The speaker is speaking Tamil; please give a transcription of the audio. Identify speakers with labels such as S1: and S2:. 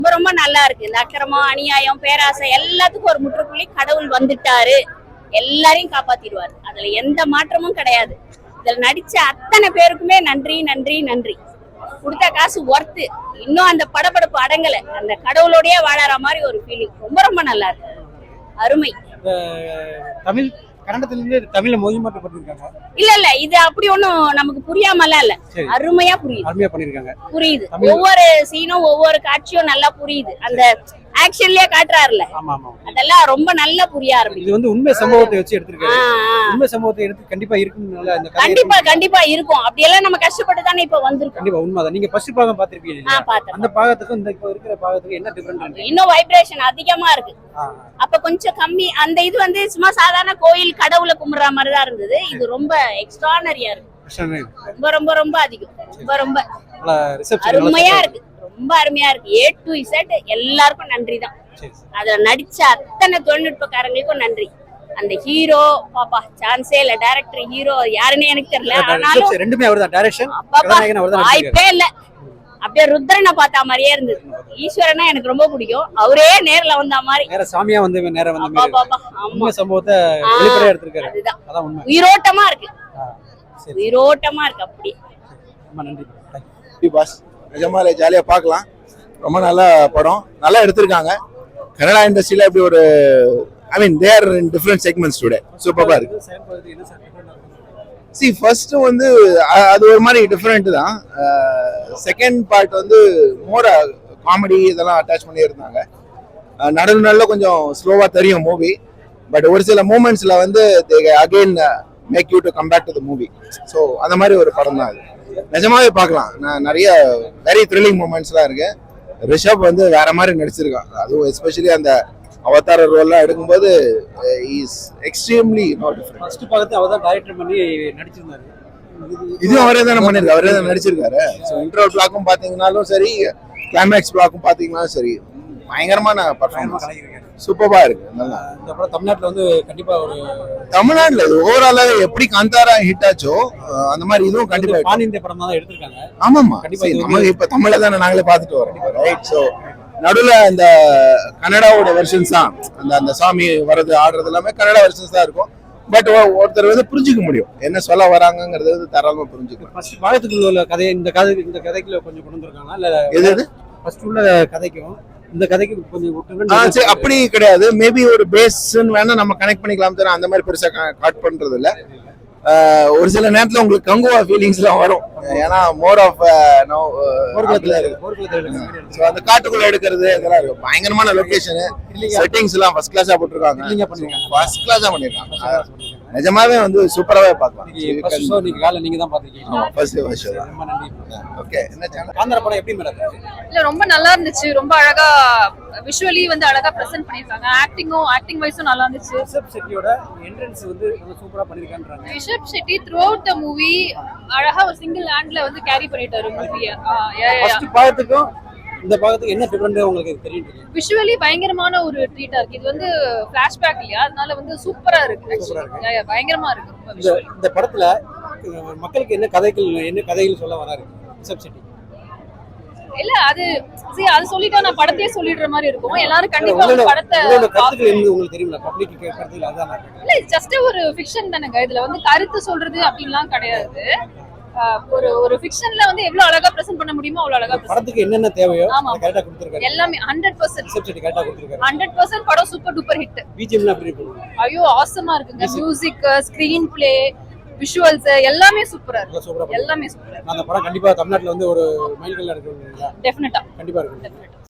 S1: ரொம்ப ரொம்ப நல்லா இருக்கு. இந்த அக்கிரமம், அநியாயம், பேராசை எல்லாத்துக்கும் ஒரு முற்றுப்புள்ளி கடவுள் வந்துட்டாரு, எல்லாரையும் காப்பாத்திடுவாரு. அதுல எந்த மாற்றமும் கிடையாது. இதுல நடிச்ச அத்தனை பேருக்குமே நன்றி நன்றி நன்றி. கொடுத்த காசு ஒர்த்து. இன்னும் அந்த படபடப்பு அடங்கல. அந்த கடவுளோடய வாழற மாதிரி ஒரு ஃபீலிங். ரொம்ப ரொம்ப நல்லா இருக்கு. அருமை.
S2: தமிழ் கன்னடத்திலிருந்து தமிழ்ல மொழிமாற்றப்பட்டிருக்காங்க.
S1: இல்ல இது அப்படி ஒண்ணும் நமக்கு புரியாமலாம் இல்ல. அருமையா புரியுது.
S2: அருமையா பண்ணிருக்காங்க.
S1: புரியுது. ஒவ்வொரு சீனும் ஒவ்வொரு காட்சியும் நல்லா புரியுது. அந்த ஆக்ஷன்லயே காட்டுறாருல, அதெல்லாம் ரொம்ப நல்லா புரிய ஆரம்பிக்கும்.
S2: இது வந்து உண்மை சம்பவத்தை வச்சு எடுத்திருக்காரு. உண்மை சம்பவத்தை எடுத்து கண்டிப்பா இருக்கும்.
S1: கண்டிப்பா இருக்கும். அப்படி எல்லாம் நம்ம கஷ்டப்பட்டு தானே இப்ப வந்திருக்கோம்.
S2: கண்டிப்பா உண்மைதான். நீங்க ஃபர்ஸ்ட் பாகம் பாத்திருப்பீங்க. அந்த பாகத்துக்கும் இந்த இப்ப இருக்கிற பாகத்துக்கும் என்ன டிஃபரண்ட்?
S1: இன்னும் வைப்ரேஷன் அதிகமா இருக்கு. அப்ப கொஞ்சம் கம்மி. அந்த இது வந்து சும்மா சாதாரண கோயில் கடவுளை கும்பிடுற மாதிரி தான் இருந்தது. இது ரொம்ப எக்ஸ்ட்ரானரியா இருக்கு. ரொம்ப ரொம்ப ரொம்ப அதிகம். ரொம்ப ரொம்ப அருமையா இருக்கு. ரொம்ப அருமையா இருக்கு. A to Z எல்லாருக்கும் நன்றி தான். அதுல நடிச்ச அத்தனை தொழில்நுட்பக்காரங்களுக்கும் நன்றி. அந்த ஹீரோ பாப்பா சான்ஸே இல்ல. டைரக்டர் ஹீரோ யாருன்னு எனக்கு தெரியல. ஆனாலும்
S2: ரெண்டுமே அவர்தான். டைரக்ஷன்
S1: வாய்ப்பே இல்ல. அப்படியே ருத்ரனை பார்த்த மாதிரியே இருந்தது. ஈஸ்வரனா எனக்கு ரொம்ப பிடிக்கும். அவரே நேர்ல வந்த மாதிரி.
S2: நேர சாமியா வந்து நேரா வந்த மாதிரி. உண்மை சம்பவத்தை வெளிப்படையா எடுத்திருக்காரு.
S1: அதுதான் உண்மை. உயிரோட்டமா இருக்கு. உயிரோட்டமா இருக்கு. அப்படி
S2: ரொம்ப நன்றி.
S3: பாஸ் நிஜமாலே ஜாலியாக பார்க்கலாம். ரொம்ப நல்ல படம், நல்லா எடுத்திருக்காங்க. கன்னடா இண்டஸ்ட்ரியில் இப்படி ஒரு there in different segments today. சூப்பராக இருக்கு. ஃபர்ஸ்ட் வந்து அது ஒரு மாதிரி டிஃப்ரெண்ட் தான். செகண்ட் பார்ட் வந்து மோர் காமெடி இதெல்லாம் அட்டாச் பண்ணி இருந்தாங்க. நடுநல்ல கொஞ்சம் ஸ்லோவாக தெரியும் மூவி. பட் ஒரு சில மூமெண்ட்ஸில் வந்து again make you to come back to the movie. So அந்த மாதிரி ஒரு படம் தான் அது. நிஜமாவே பார்க்கலாம். நான் நிறைய வெரி த்ரில்லிங் மூமெண்ட்ஸ்லாம் இருக்கு. ரிஷப் வந்து வேற மாதிரி நடிச்சிருக்கான். அதுவும் எஸ்பெஷலி அந்த அவதார ரோல்லாம் எடுக்கும்போது is extremely not different.
S2: First பாகத்தை அவர் தான் டைரக்டர் பண்ணி நடிச்சிருந்தாரு.
S3: இதுவும் அவரே தானே பண்ணிருக்காரு. அவரே தான் நடிச்சிருக்காரு. ஸோ இன்ட்ரோல் பிளாக்கும் பார்த்தீங்கன்னாலும் சரி, கிளைமேக்ஸ் பிளாக்கும் பார்த்தீங்கன்னாலும் சரி, பயங்கரமான பர்ஃபார்மன்ஸ். சூப்பரா இருக்கு. நல்லா.
S2: இந்த படம் தமிழ்நாட்டுல வந்து கண்டிப்பா ஒரு
S3: தமிழ்நாட்டுல ஓவராலா எப்படி காந்தாரா ஹிட் ஆச்சோ அந்த மாதிரி இதுவும் கண்டிப்பா
S2: பான் இந்திய படம் தான் எடுத்திருக்காங்க.
S3: ஆமாமா. கண்டிப்பா இப்ப தமிழ்ல தானே நாங்களே பார்த்துட்டு வரோம். ரைட். ஸோ நடுவில் அந்த கன்னடாவோட வெர்ஷன்ஸ் தான். அந்த சாமி வர்றது ஆடுறது எல்லாமே கன்னடா வெர்ஷன்ஸ் தான் இருக்கும். பட் ஒருத்தர் வந்து புரிஞ்சுக்க முடியும் என்ன சொல்ல வராங்கிறது வந்து தாராளமா புரிஞ்சுக்கலாம்.
S2: ஃபர்ஸ்ட் பாகத்துக்குள்ள உள்ள கதை இந்த கதைக்குள்ள கொஞ்சம் கொண்டு வந்திருக்காங்க. இல்ல எது ஃபர்ஸ்ட் உள்ள கதைக்கும் இந்த கதைக்கு கொஞ்சம்
S3: அப்படி கிடையாது. மேபி ஒரு பேஸ்ன்னு வேணா நம்ம கனெக்ட் பண்ணிக்கலாம். தர அந்த மாதிரி பெருசா காட் பண்றது இல்ல. ஒரு சில நேரத்துல உங்களுக்கு கங்குவா ஃபீலிங்ஸ் எல்லாம் வரும். ஏன்னா மோர் ஆஃப் அந்த காட்டுக்குள்ள எடுக்கிறது இதெல்லாம் இருக்கு. பயங்கரமான லொகேஷன், செட்டிங்ஸ் எல்லாம் ஃபர்ஸ்ட் கிளாஸா போட்டிருக்காங்க. ஃபர்ஸ்ட் கிளாஸா பண்ணிருக்காங்க. நிஜமாவே வந்து சூப்பராவே பார்க்கலாம்.
S2: நீங்க தான் பாத்தீங்க.
S3: ஓகே. என்ன சேனல்
S2: காந்தார படம் எப்படி மேடம்?
S4: இல்ல ரொம்ப நல்லா இருந்துச்சு. ரொம்ப அழகா விஷுவலி வந்து அழகா பிரசன்ட் பண்ணிருக்காங்க. ஆக்டிங் வைஸும் நல்லா இருந்துச்சு.
S2: ரிஷப் ஷெட்டியோட என்ட்ரன்ஸ் வந்து ரொம்ப சூப்பரா பண்ணிருக்கான்றாங்க.
S4: Rishab Shetty throughout the movie அழகா ஒரு சிங்கிள் ஹேண்ட்ல வந்து கேரி பண்ணிட்டாரு மூவியை.
S2: ஃபர்ஸ்ட் பாகத்துக்கும் இந்த பாகத்துக்கு என்ன டிஃபரண்ட் உங்களுக்கு தெரியும்?
S4: விஷுவலி பயங்கரமான ஒரு ட்ரீட்டா இருக்கு. இது வந்து ஃபிளாஷ்பேக் இல்லையா, அதனால வந்து சூப்பரா இருக்கு. பயங்கரமா இருக்கு. ரொம்ப
S2: இந்த படத்துல மக்களுக்கு என்ன கதைகள் சொல்ல வராரு ரிஷப் ஷெட்டி?
S4: இல்ல அது சொல்லிட்டா நான் படத்தையே சொல்லிடுற மாதிரி இருக்கும். எல்லாரும் கண்டிப்பா படத்தை
S2: உங்களுக்கு தெரியுமா? பப்ளிக் கருத்துல அதான்
S4: இல்ல, ஜஸ்ட் ஒரு ஃபிக்ஷன் தானங்க. இதுல வந்து கருத்து சொல்றது அப்படின்லாம் கிடையாது. ஒரு ஃபிக்ஷன்ல வந்து எவ்வளவு அழகா பிரசன்ட் பண்ண முடியுமோ அவ்வளவு அழகா
S2: படத்துக்கு என்னென்ன தேவையோ கரெக்ட்டா கொடுத்திருக்காரு.
S4: எல்லாமே 100%
S2: ரிசப்ஷன் கரெக்ட்டா கொடுத்திருக்காரு.
S4: 100% படம் சூப்பர் டூப்பர் ஹிட்.
S2: பிஜிஎம்ல எப்படி இருக்கு?
S4: ஐயோ ஆசமா இருக்குங்க. மியூசிக், ஸ்கிரீன் பிளே, விஷுவல்ஸ் எல்லாமே சூப்பரா இருக்கு. எல்லாமே சூப்பரா.
S2: அந்த படம் கண்டிப்பா தமிழ்நாட்டுல வந்து ஒரு மைல்கல்ல இருக்கு.
S4: டெஃபினட்டா
S2: கண்டிப்பா இருக்கு.